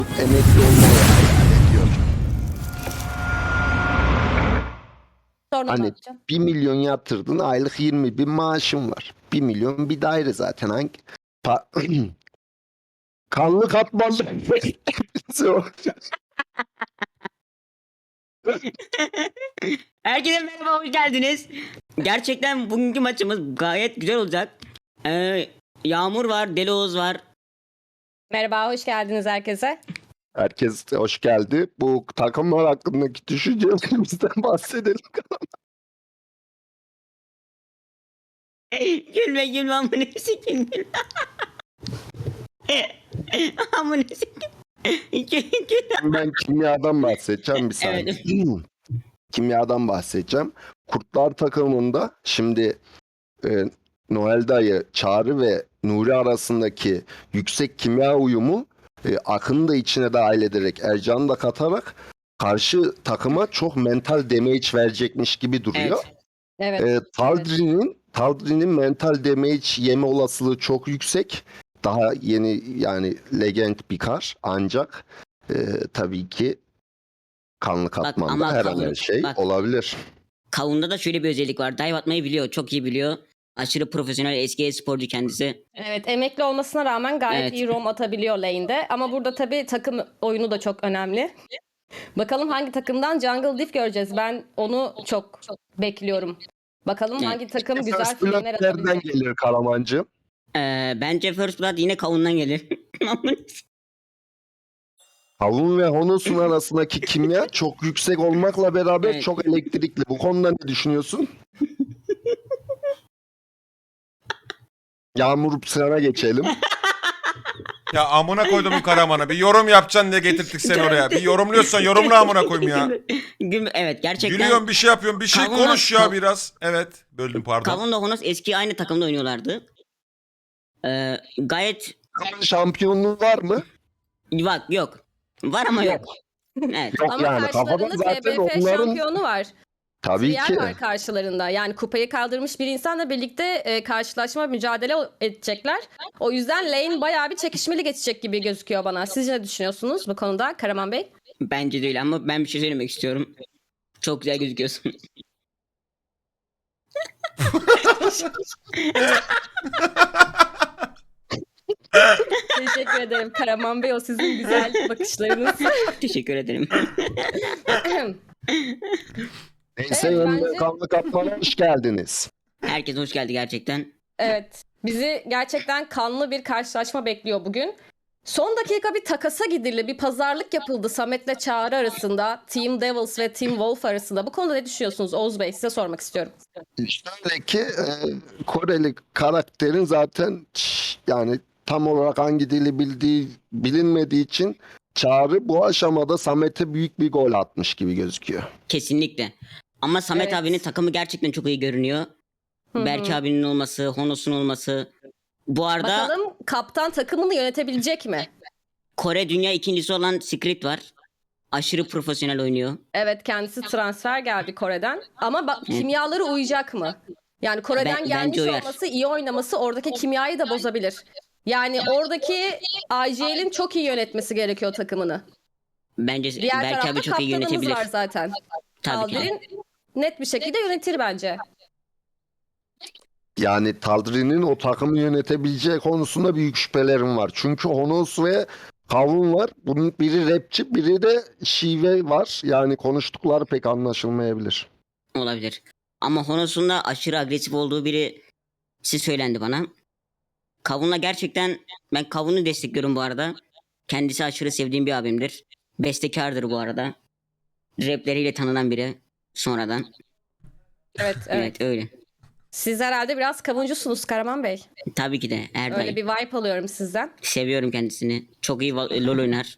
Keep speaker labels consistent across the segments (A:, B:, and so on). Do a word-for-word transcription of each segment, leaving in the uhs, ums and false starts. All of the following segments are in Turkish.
A: emekli olmayı hayal ediyor.
B: Sonra ne
A: Hani
B: yapacağım?
A: bir milyon yatırdın, aylık yirmi bin maaşın var. Bir milyon bir daire zaten. Hangi? Pa- Kanlı katmanlı.
C: Herkese merhaba, hoş geldiniz. Gerçekten bugünkü maçımız gayet güzel olacak. Ee, Yağmur var, Deli Oğuz var.
B: Merhaba, hoş geldiniz herkese.
A: Herkes hoş geldi. Bu takımlar hakkındaki düşüncelerimizden bahsedelim.
C: Gülme gülme amına sikim gülme. Amına sikim. Gül- gül.
A: Ben kimyadan bahsedeceğim bir saniye.
C: Evet.
A: Kimyadan bahsedeceğim. Kurtlar takımında şimdi e, Noel Dayı, Çağrı ve Nuri arasındaki yüksek kimya uyumu e, Akın'ı da içine dahil ederek, Ercan'ı da katarak karşı takıma çok mental damage verecekmiş gibi duruyor.
C: Evet.
B: Evet.
A: E, Taldrin'in Taldrin'in mental damage yeme olasılığı çok yüksek. Daha yeni yani legend bir kar ancak e, tabii ki kanlı katmanda
C: ama
A: her an
C: kavun-
A: her şey
C: bak.
A: olabilir.
C: Kavun'da da şöyle bir özellik var. Dive atmayı biliyor. Çok iyi biliyor. Aşırı profesyonel, eski e-sporcu kendisi.
B: Evet, emekli olmasına rağmen gayet
C: Evet.
B: iyi roam atabiliyor lane'de. Ama burada tabii takım oyunu da çok önemli. Bakalım hangi takımdan Jungle Diff göreceğiz. Ben onu çok bekliyorum. Bakalım
C: Evet.
B: hangi takım güzel
A: First Blood
B: filmler
A: nereden
B: atabilir.
A: gelir Karamancığım?
C: Ee, bence First Blood yine Kavun'dan gelir.
A: Kavun ve Honos'un arasındaki kimya çok yüksek olmakla beraber
C: Evet.
A: çok elektrikli. Bu konuda ne düşünüyorsun? Yağmur sana geçelim.
D: Ya amına koydum bu Karaman'a. Bir yorum yapacaksın diye getirttik seni oraya. Bir yorumluyorsan yorumla amına koyayım ya.
C: Gülme- evet, gerçekten.
D: Gülüyorsun, bir şey yapıyorsun. Bir şey
C: Kavunla-
D: konuş ya
C: kav-
D: biraz. Evet. Böldüm, pardon.
C: Kavun'la Honos eski aynı takımda oynuyorlardı. Ee, gayet
A: Şampiyonluğu var mı?
C: bak yok. Var ama yok. Evet.
A: Yok
B: Ama
A: yani kafadan
B: karşılarında
A: zaten
B: T B F
A: onların
B: şampiyonu var.
A: tabii
B: Trial
A: ki
B: var karşılarında. Yani kupayı kaldırmış bir insanla birlikte e, karşılaşma mücadele edecekler. O yüzden lane bayağı bir çekişmeli geçecek gibi gözüküyor bana. Siz ne düşünüyorsunuz bu konuda Karaman Bey?
C: Bence değil ama ben bir şey söylemek istiyorum. Çok güzel gözüküyorsun.
B: Teşekkür ederim Karaman Bey. O sizin güzel bakışlarınız.
C: Teşekkür ederim.
A: neyse
B: Evet,
A: önde
B: bence-
A: kanlı katmana hoş geldiniz.
C: Herkes hoş geldi gerçekten.
B: Evet. Bizi gerçekten kanlı bir karşılaşma bekliyor bugün. Son dakika bir takasa gidildi. Bir pazarlık yapıldı Samet'le Çağrı arasında. Team Devils ve Team Wolf arasında. Bu konuda ne düşünüyorsunuz Oğuz Bey? Size sormak istiyorum.
A: Şöyle ki e, Koreli karakterin zaten ç- yani tam olarak hangi dili bildiği bilinmediği için Çağrı bu aşamada Samet'e büyük bir gol atmış gibi gözüküyor.
C: Kesinlikle. Ama Samet
B: Evet.
C: abinin takımı gerçekten çok iyi görünüyor.
B: Hı hı.
C: Berke abinin olması, Honos'un olması. Bu arada
B: Bakalım kaptan takımını yönetebilecek mi?
C: Kore dünya ikincisi olan Secret var. Aşırı profesyonel oynuyor.
B: Evet, kendisi transfer geldi Kore'den. Ama bak, kimyaları uyacak mı? Yani Kore'den
C: Ben-
B: gelmiş
C: bence uyar.
B: olması, iyi oynaması oradaki kimyayı da bozabilir. Yani oradaki I G L'in çok iyi yönetmesi gerekiyor takımını.
C: Bence
B: Diğer
C: Berke
B: tarafta
C: abi çok iyi
B: kaptanımız
C: yönetebilir.
B: var zaten.
C: Tabii ki.
B: Aldrin net bir şekilde yönetir bence.
A: Yani Taldrin'in o takımı yönetebileceği konusunda büyük şüphelerim var. Çünkü Honos ve Kavun var. Bunun biri rapçi, biri de şive var. Yani konuştukları pek anlaşılmayabilir.
C: Olabilir. Ama Honos'un da aşırı agresif olduğu biri siz söylendi bana. Kavun'la gerçekten ben Kavun'u destekliyorum bu arada. Kendisi aşırı sevdiğim bir abimdir. Bestekardır bu arada. Rapleriyle tanınan biri sonradan.
B: Evet, evet.
C: Evet, öyle.
B: Siz herhalde biraz kavuncusunuz Karaman Bey.
C: Tabii ki de her
B: Öyle
C: daim.
B: bir vibe alıyorum sizden.
C: Seviyorum kendisini. Çok iyi va- LoL oynar.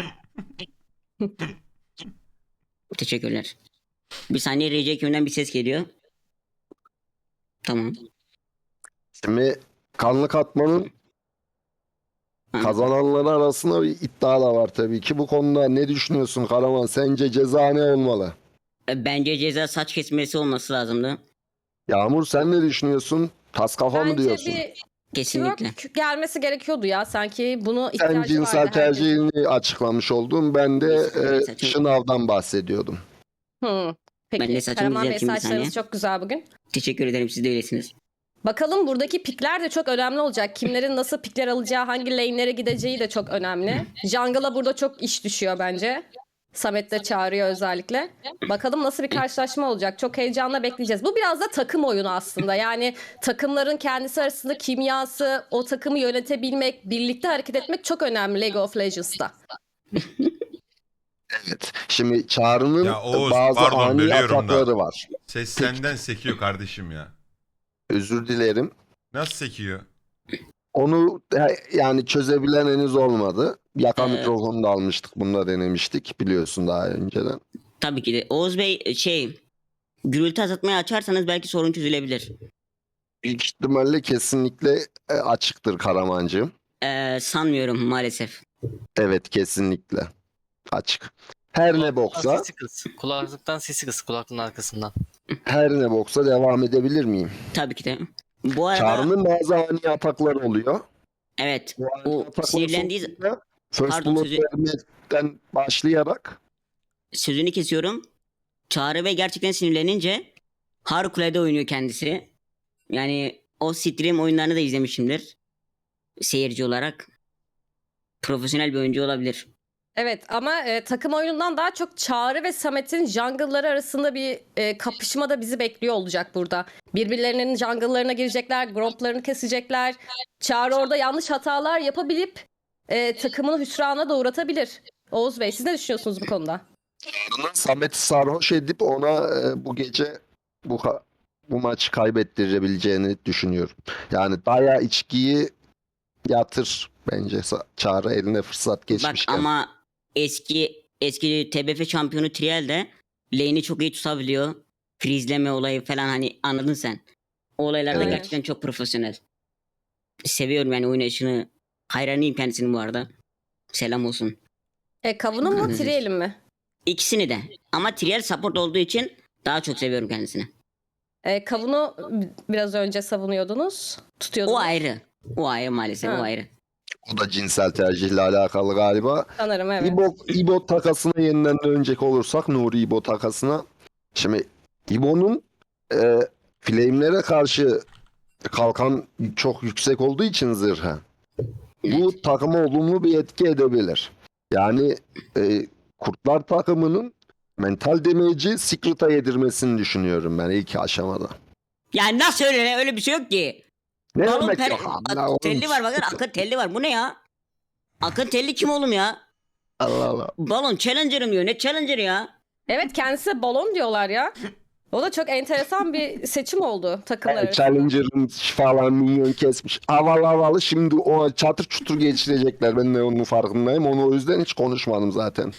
C: Teşekkürler. Bir saniye R J Q'den bir ses geliyor. Tamam.
A: Şimdi kanlı katmanın
C: Ha.
A: kazananları arasında bir iddia da var tabii ki. Bu konuda ne düşünüyorsun Karaman? Sence ceza ne olmalı?
C: E, Bence ceza saç kesmesi olması lazımdı.
A: Yağmur sen ne düşünüyorsun? Tas kafa mı
B: Bence
A: diyorsun?
B: bir
C: Kesinlikle.
B: Twerk gelmesi gerekiyordu ya. Sanki bunu
A: Sen
B: ihtiyacı
A: cinsel
B: vardı herkes.
A: tercihini açıklamış oldun. Ben de
C: Cinsel
A: e,
C: tercih-
A: şınavdan bahsediyordum.
B: Hı.
C: Ben de
B: Peki
C: saçımı
B: Karaman Bey
C: düzelteyim bir
B: saçlarınız
C: saniye.
B: çok güzel bugün.
C: Teşekkür ederim, siz de öylesiniz.
B: Bakalım buradaki pikler de çok önemli olacak. Kimlerin nasıl pikler alacağı, hangi lane'lere gideceği de çok önemli. Jungle'a burada çok iş düşüyor bence. Samet de çağırıyor özellikle. Bakalım nasıl bir karşılaşma olacak. Çok heyecanla bekleyeceğiz. Bu biraz da takım oyunu aslında. Yani takımların kendisi arasında kimyası, o takımı yönetebilmek, birlikte hareket etmek çok önemli League of Legends'ta.
A: Evet. Şimdi Çağrı'nın
D: Ya Oğuz,
A: bazı
D: pardon,
A: ani
D: bölüyorum da.
A: atakları var.
D: Ses senden sekiyor kardeşim ya.
A: Özür dilerim.
D: Nasıl sekiyor?
A: Onu he- yani çözebilen henüz olmadı. Yaka
C: Ee,
A: mikrofonu da almıştık. Bunu da denemiştik biliyorsun daha önceden.
C: Tabii ki de. Oğuz Bey şey, gürültü azaltmayı açarsanız belki sorun çözülebilir.
A: Büyük ihtimalle kesinlikle e, açıktır Karamancığım.
C: Ee, sanmıyorum maalesef.
A: Evet kesinlikle açık. Her ne
E: Kulaklıktan
A: boksa,
E: sesi kıs. Kulaklıktan sesi kıs kulaklığın arkasından.
A: her ne boksa devam edebilir miyim?
C: Tabii ki de. Bu arada
A: Çağrı'nın bazı ani atakları oluyor.
C: evet,
A: Bu ani
C: o
A: ataklar
C: sinirlendiği
A: sonucunda First
C: Pardon,
A: Blood
C: sözü-
A: vermekten başlayarak
C: sözünü kesiyorum. Çağrı Bey gerçekten sinirlenince harikulade oynuyor kendisi. Yani o stream oyunlarını da izlemişimdir. Seyirci olarak. Profesyonel bir oyuncu olabilir.
B: Evet ama e, takım oyunundan daha çok Çağrı ve Samet'in jungle'ları arasında bir e, kapışma da bizi bekliyor olacak burada. Birbirlerinin jungle'larına girecekler, gromplarını kesecekler. Çağrı orada yanlış hatalar yapabilip e, takımını hüsrana da uğratabilir. Oğuz Bey siz ne düşünüyorsunuz bu konuda?
A: Çağrı'nın Samet'i sarhoş edip ona e, bu gece bu ka- bu maçı kaybettirebileceğini düşünüyorum. Yani daya içkiyi yatır bence Sa- Çağrı eline fırsat
C: Bak
A: geçmişken.
C: ama eski eski T B F şampiyonu Trial de lane'i çok iyi tutabiliyor. Freezeleme olayı falan, hani anladın sen. O olaylarda
A: Evet.
C: gerçekten çok profesyonel. Seviyorum yani oynayışını. Hayranıyım kendisinin bu arada. Selam olsun.
B: E, Kavun'un mu
C: Evet.
B: Triel'in mi?
C: İkisini de. Ama Trial support olduğu için daha çok seviyorum kendisini.
B: E, Kavun'u biraz önce savunuyordunuz, tutuyordunuz.
C: O ayrı. O ayrı maalesef,
B: Ha.
C: o ayrı.
A: O da cinsel tercihle alakalı galiba.
B: Sanırım evet.
A: İbo, İbo takasına yeniden dönecek olursak Nuri İbo takasına. Şimdi İbo'nun e, flame'lere karşı kalkan çok yüksek olduğu için zırhı. Bu takıma olumlu bir etki edebilir. Yani e, Kurtlar takımının mental damage'i Secret'a yedirmesini düşünüyorum ben ilk aşamada.
C: Ya nasıl öyle? Öyle bir şey yok ki.
A: Ne
C: Balon
A: demek
C: per-
A: yok?
C: Ak-
A: Allah, oğlum.
C: telli var bakın, Akın telli var. Bu ne ya? Akın telli kim oğlum ya?
A: Allah Allah.
C: Balon challenger'ım diyor. Ne challenger ya?
B: Evet kendisi balon diyorlar ya. O da çok enteresan bir seçim oldu takımlar
A: Evet,
B: arasında.
A: Challenger'ın falan minyon kesmiş. Havalı havalı şimdi o çatır çutur geçirecekler. Ben de onun farkındayım. Onu o yüzden hiç konuşmadım zaten.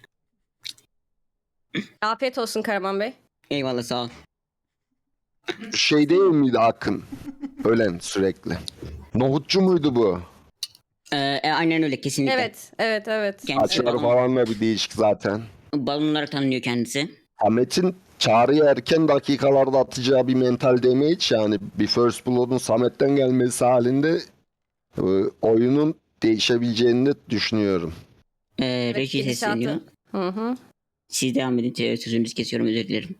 B: Afiyet olsun Karaman Bey.
C: Eyvallah, sağ ol.
A: Şey değil miydi Akın? Ölen sürekli. Nohutçu muydu bu?
C: Ee, e, aynen öyle, kesinlikle.
B: Evet, evet, evet.
C: Kendisi
A: Saçları
C: balon,
A: falan da bir değişik zaten.
C: balon olarak tanınıyor kendisi.
A: Samet'in Çağrı'ya erken dakikalarda atacağı bir mental damage, yani bir First Blood'un Samet'ten gelmesi halinde e, oyunun değişebileceğini de düşünüyorum.
C: Ee,
B: Evet,
C: reji
B: gidişatı.
C: sesleniyor.
B: Hı hı.
C: Siz devam edin. Te- Sözünüzü kesiyorum, özür dilerim.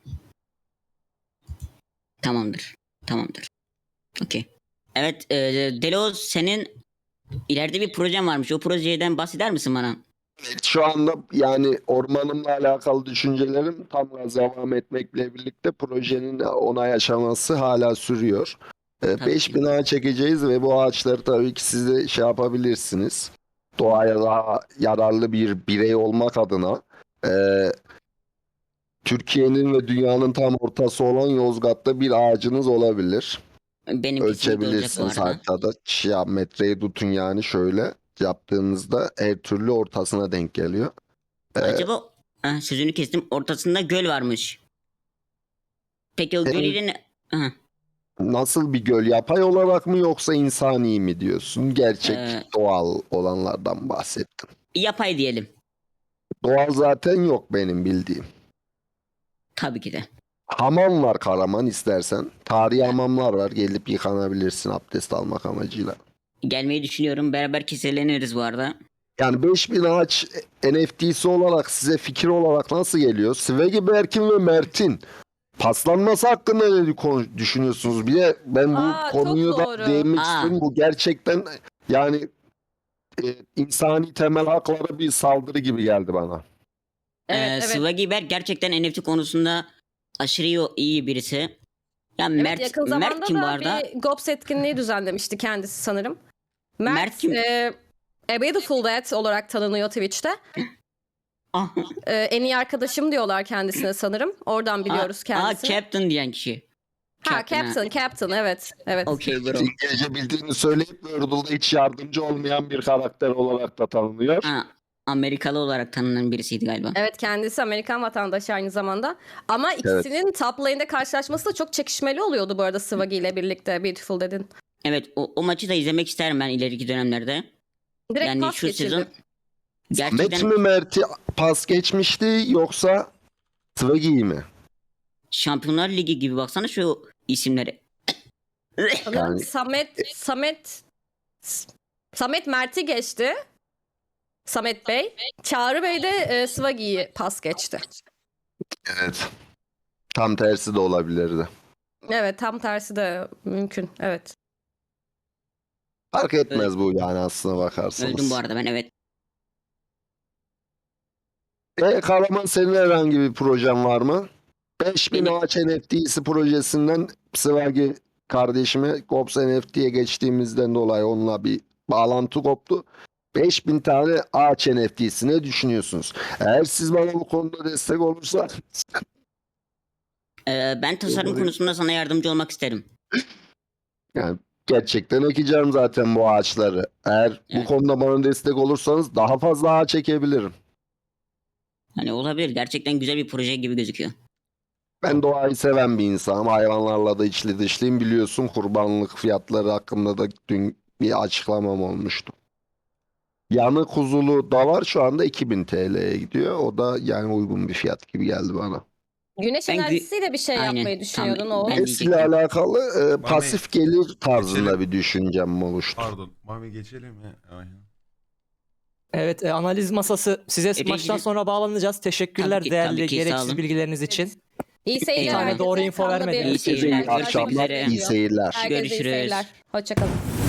C: Tamamdır. Tamamdır. Okey. Evet, e, Delos, senin ileride bir projen varmış. O projeden bahseder misin bana?
A: Şu anda yani ormanımla alakalı düşüncelerim tam gaz devam etmekle birlikte projenin onay aşaması hala sürüyor.
C: Tabii
A: beş
C: ki.
A: bin ağaç çekeceğiz ve bu ağaçları tabii ki siz de şey yapabilirsiniz. Doğaya daha yararlı bir birey olmak adına e, Türkiye'nin ve dünyanın tam ortası olan Yozgat'ta bir ağacınız olabilir.
C: Benim kesinlikle olacak bu
A: Ölçebilirsiniz
C: arada.
A: haritada. Ya metreyi tutun yani şöyle yaptığınızda her türlü ortasına denk geliyor. Ee,
C: Acaba ha, sözünü kestim. Ortasında göl varmış. Peki o
A: Evet.
C: gölün ha,
A: Nasıl bir göl? Yapay olarak mı yoksa insani mi diyorsun? Gerçek,
C: Ee,
A: doğal olanlardan bahsettim.
C: yapay diyelim.
A: Doğal zaten yok benim bildiğim.
C: Tabii ki de.
A: Hamam var Karaman istersen. Tarihi hamamlar var. Gelip yıkanabilirsin abdest almak amacıyla.
C: Gelmeyi düşünüyorum. Beraber keseleniriz bu arada.
A: Yani beş bin ağaç N F T'si olarak size fikir olarak nasıl geliyor? Svegi, Berkin ve Mert'in paslanması hakkında ne konu- düşünüyorsunuz? Bir de ben bu
B: Aa, çok
A: konuyu da
B: doğru.
A: değinmek
C: Aa.
A: istiyorum. Bu gerçekten yani e, insani temel haklara bir saldırı gibi geldi bana.
B: Evet,
C: Ee,
B: evet.
C: Swaggy Berk gerçekten N F T konusunda aşırı iyi, iyi birisi. Ya
B: Evet,
C: Mert,
B: yakın
C: Mert
B: zamanda
C: kim bu
B: da
C: arada?
B: bir Gops etkinliği düzenlemişti kendisi sanırım. Mert,
C: Mert kim?
B: e, A Beautiful Dead olarak tanınıyor Twitch'te.
C: Ah,
B: E, en iyi arkadaşım diyorlar kendisine sanırım. Oradan biliyoruz
C: Aa,
B: kendisini.
C: Captain diyen kişi.
B: ha
C: Captain, ha.
B: Captain, Captain evet. Evet.
C: Okey bro.
A: İngilizce bildiğini söyleyip Wordle'da hiç yardımcı olmayan bir karakter olarak da tanınıyor.
C: Ha, Amerikalı olarak tanınan birisiydi galiba.
B: Evet, kendisi Amerikan vatandaşı aynı zamanda. Ama ikisinin top lane'de karşılaşması da çok çekişmeli oluyordu bu arada Swaggy ile birlikte Beautiful Dead'in.
C: Evet o, o maçı da izlemek isterim ben ileriki dönemlerde.
B: Direkt
C: Yani
B: pas
C: şu
B: geçirdi.
C: sezon
A: Met
C: gerçekten
A: mi Mert'i pas geçmişti yoksa Svegi'yi mi?
C: Şampiyonlar Ligi gibi baksana şu isimlere.
B: Sanırım
A: Yani-
B: Samet, Samet, Samet Mert'i geçti. Samet Bey. Çağrı Bey de e, Swaggy'yi pas geçti.
A: Evet. Tam tersi de olabilirdi.
B: Evet, tam tersi de mümkün. Evet.
A: Fark etmez bu yani aslına bakarsanız.
C: Öldüm bu arada ben evet.
A: E Karaman, senin herhangi bir projen var mı? beş bin
C: Benim-
A: ağaç N F T'si projesinden Svagi kardeşime Gops N F T'ye geçtiğimizden dolayı onunla bir bağlantı koptu. beş bin tane ağaç N F T'si ne düşünüyorsunuz? Eğer siz bana bu konuda destek olursa
C: Ee, ben tasarım
A: Doğru.
C: konusunda sana yardımcı olmak isterim.
A: yani gerçekten ekeceğim zaten bu ağaçları. Eğer bu
C: Evet.
A: konuda bana destek olursanız daha fazla ağaç ekebilirim.
C: Hani olabilir gerçekten güzel bir proje gibi gözüküyor.
A: Ben doğayı seven bir insanım. Hayvanlarla da içli dışlıyım. Biliyorsun kurbanlık fiyatları hakkında da dün bir açıklamam olmuştu. Yanı kuzulu da var, şu anda iki bin T L'ye gidiyor. O da yani uygun bir fiyat gibi geldi bana.
B: Güneş
C: Ben gü-
B: enerjisiyle bir şey
C: Aynen,
B: yapmayı
C: tam
B: düşünüyordun
C: ben
B: o.
C: de-
A: Esiyle
C: diyecektim.
A: alakalı e, pasif gelir tarzında
D: geçelim.
A: bir düşüncem oluştu.
D: Pardon. Mami geçelim mi? Aynen.
F: Evet, e, analiz masası size
C: E,
F: maçtan
C: peki-
F: sonra bağlanacağız. Teşekkürler
C: Tabii ki,
F: değerli
C: tabii ki, sağ
F: gereksiz
C: olun.
F: bilgileriniz için.
B: İyi seyirler.
C: Eyvallah.
B: herkese.
F: Doğru info
B: Kanlı bir-
F: vermediniz.
C: İyi seyirler.
A: İyi akşamlar,
C: Görüşmek üzere.
A: iyi seyirler.
B: Herkese iyi
C: Görüşürüz.
B: seyirler. Hoşçakalın.